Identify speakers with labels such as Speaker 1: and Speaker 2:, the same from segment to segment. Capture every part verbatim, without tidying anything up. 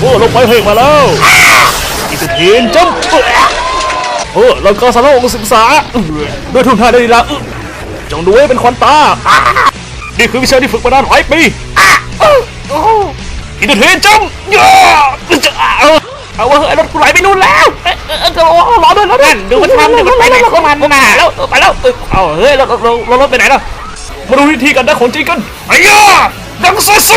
Speaker 1: อลงไปเฮกมาแล้วอีกทีนจัมเออเราก็สารองศึกษาด้วยทุนท่าได้ดีละจงดูให้เป็นควันตานี่คือวิชาที่ฝึกมานานหลายปีอีกทีนจัมเอาว่าไอ้รถกูไหลไปนู่นแล้วรอด้วยรอด้วยดูมันทำดูมันไปไหนของมันน่ะแล้วไปแล้วเอาเฮ้ยรถรถรถไปไหนล่ะมาดูวิธีการได้ของจริงกันไอ้ย่าดังซื่อ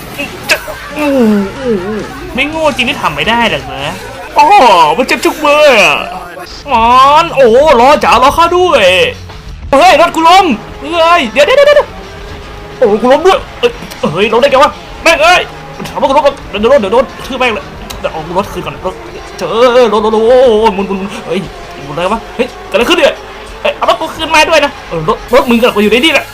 Speaker 1: ไม่โง่จริงที่ทำไม่ได้หรอกนะอ๋อมันเจ็บจุกเบอร์มันโอ้ล้อจ๋าล้อข้าด้วยเฮ้ยรถกูล้มเฮ้ยเดี๋ยวเดี๋ยวเดี๋ยวโอ้กูล้มด้วยเฮ้ยล้มได้ไงวะแม่งเอ้ยถามว่ากูล้มเดี๋ยวโดนเดี๋ยวโดนชื่อแม่งเลยเดี๋ยวเอารถคืนก่อนรถเจอรถรถโอ้มุนมุนเฮ้ยมุนอะไรวะเฮ้ยเกิดอะไรขึ้นเนี่ยเอารถกูคืนมาด้วยนะรถรถมึงกับกูอยู่ในนี่แหละ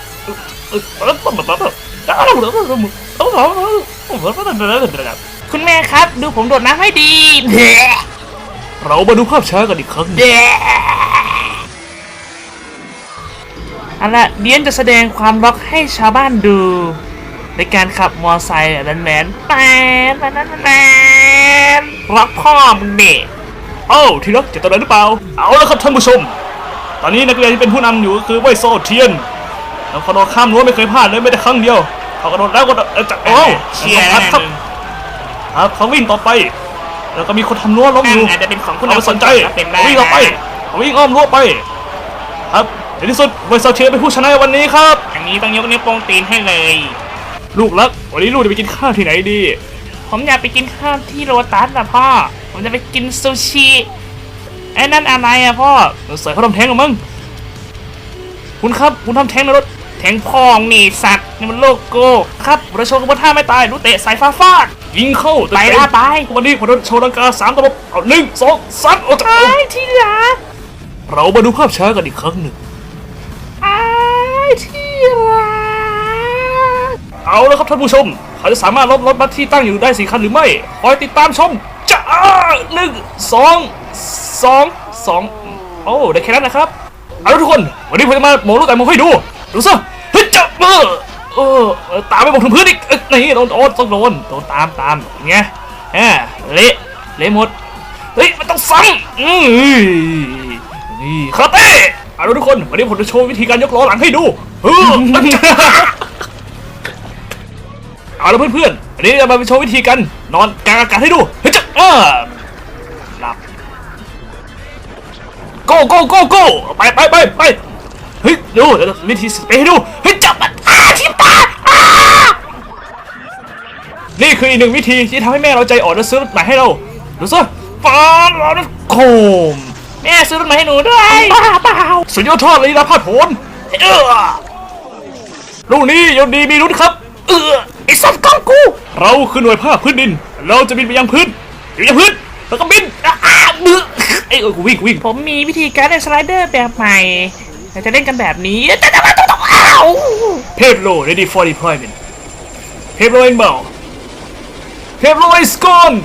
Speaker 1: คุณแม่ครับดูผมโดดน้ำให้ดีเรามาดูภาพช้ากันอีกครั้งเอาล่ะเดียนจะแสดงความรักให้ชาวบ้านดูในการขับมอเตอร์ไซค์แมนแมนแมนแมนแมนรักพ่อมึงเนี่ยเอ้าที่รักจะตอนไหนหรือเปล่าเอาละครับท่านผู้ชมตอนนี้นักเรียนที่เป็นผู้นำอยู่ก็คือเว่ยโซเทียนแล้วเขาโดดข้ามรั้วไม่เคยพลาดเลยไม่ได้ครั้งเดียวเขากระโดดแล้วก็จะโอ้เชียร์ครับครับเขาวิ่งต่อไปแล้วก็มีคนทำรั้วล้มอยู่อาจจะเป็นของคุณเราสนใจวิ่งต่อไปวิ่งอ้อมรั้วไปครับในที่สุดเว่ยโซเทียนเป็นผู้ชนะวันนี้ครับอันนี้ต้องยกนิ้วโป้งตีนให้เลยลูกรักวันนี้ลูกจะไปกินข้าวที่ไหนดีผมอยากไปกินข้าวที่โรตัสนะพ่อผมจะไปกินซูชิไอ้นั่นอะไรอะพ่อใส่เขาทำแท้งกับมึงคุณครับคุณทำแท้งในรถแท้งพองนี่สัตว์นี่มันโลโก้ครับเราโชว์กบฏท่าไม่ตายรู้เตะสายฟ้าฟาดยิงเข้าไปละไปวันนี้ผมจะโชว์ดังกาสามตลบเอาหนึ่งสองสามโอ้ยที่รักเรามาดูภาพช้ากันอีกครั้งหนึ่งไอ้ที่รักเอาแล้วครับท่านผู้ชมเขาจะสามารถลดรถบัสที่ตั้งอยู่ได้สี่คันหรือไม่คอยติดตามชมจ้าหนึ่งสองสองสองโอ้ได้แค่นั้นนะครับเอาทุกคนวันนี้ผมจะมาโมลูกแต่โมให้ดูดูซะเฮ้ยจับมือเออตามไปบอกถึงพื้นอีกนี่โดนโดนต้องโดนโดนตามตามไงเฮ้เละเละหมดเฮ้ยมันต้องซ้ำอือนี่คาเต้เอาทุกคนวันนี้ผมจะโชว์วิธีการยกล้อหลังให้ดูเออเอาละเพื่อนๆอันนี้จะมาโชว์วิธีการนอนกลางอากาศให้ดูเฮ้ยจับเออหลับโก้โก้โก้โก้ไปไปไปไปเฮ้ยดูเดี๋ยววิธีไปให้ดูเฮ้ยจับมันอ้าทิ่มตาอ้านี่คืออีกหนึ่งวิธีที่ทำให้แม่เราใจอ่อนและซื้อรถใหม่ให้เราดูซะฟาดเราเนี่ยโคมแม่ซื้อรถใหม่ให้หนูด้วยบ้าเปล่าสุดยอดทอดเลยนะพาดโผนเออลูกนี้ยนดีมีรุ่นครับเออไอ้สัตว์กองกูเราคือหน่วยภาคพื้นดินเราจะบินไปยังพื้นอยู่ยังพื้นแล้วก็บินอ้าเบื่อไอ้เออกูวิ่งวิ่งผมมีวิธีการเล่นสไลเดอร์แบบใหม่เราจะเล่นกันแบบนี้จะจะมาต้องต้องอ้าวเพปโล ready for deployment เพปโล inbound เพปโล is gone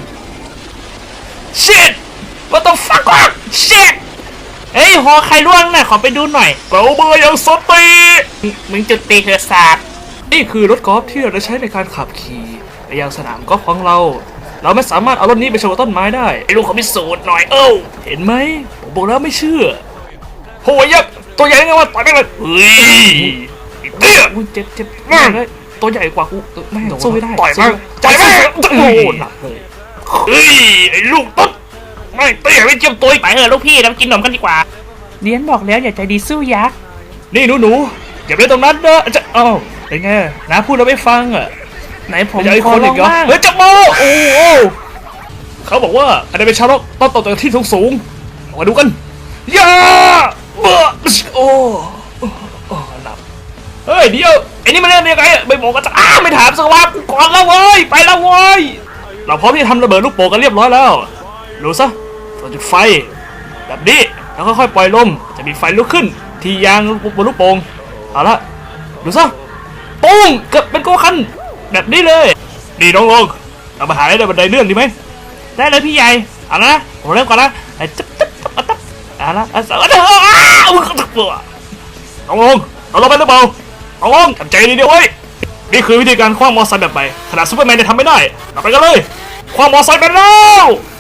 Speaker 1: shit what the fuck วะ shit เฮ้ยหอใครร่วงน่ะขอไปดูหน่อยเบาเบอร์ยังสตีมึงจุดตีเธอศาสตร์นี่คือรถกอล์ฟที่เราใช้ในการขับขี่ไปยังสนามกอล์ฟของเราเราไม่สามารถเอารถนี้ไปชนต้นไม้ได้ไอ้ลุงขอพิสูจน์หน่อยเอ้าเห็นไหมผมบอกแล้วไม่เชื่อโหยักษ์ตัวใหญ่ไงวะต่อยไม่เลยเฮ้ยเตี้ยเจ็บเจ็บมากเลยตัวใหญ่กว่ากูไม่สู้ไม่ได้ต่อยมากต่อยมากโอ้หนักเลยเฮ้ยไอ้ลูกตุ๊ดไม่เตี้ยไม่เจียมตัวไปเถอะลูกพี่เรากินนมกันดีกว่าเลี้ยนบอกแล้วอย่าใจดีสู้ยักษ์นี่หนูหนูอย่าไปตรงนั้นเด้อจะเอ้าเป็นไงนะพูดเราไม่ฟังอ่ะไหนผมขอลองบ้างเฮ้ยจับโมโอ้โหเขาบอกว่าอะไรเป็นชาวโลกต้องตกจากที่สูงสูงมาดูกันย่าเบ้อโอ้โอ้หลับเฮ้ยเดี๋ยวไอ้นี่มันเรื่องยังไงไม่บอกกันจะอ้าไม่ถามสักว่ากูก่อนแล้วเว้ยไปแล้วเว้ยเราพร้อมที่จะทำระเบิดลูกโป่งกันเรียบร้อยแล้วดูซะเราจุดไฟแบบนี้แล้วค่อยๆปล่อยลมจะมีไฟลุกขึ้นที่ยางบนลูกโป่งเอาละดูซะปุ้งเกิดเป็นโกคันแบบนี้เลยดีน้องลงเรามาหาได้บันไดเลื่อนดีไหมได้เลยพี่ใหญ่เอาละผมเริ่มก่อนนะไอ้จับจับจับจับเอาละเอาละเอาละน้องลงเราลงไปหรือเปล่าน้องลงทำใจดีเดียวไว้นี่คือวิธีการคว้างมอไซค์แบบใหม่ขนาดซูเปอร์แมนจะทำไม่ได้เราไปกันเลยความมอไซค์ไปแล้ว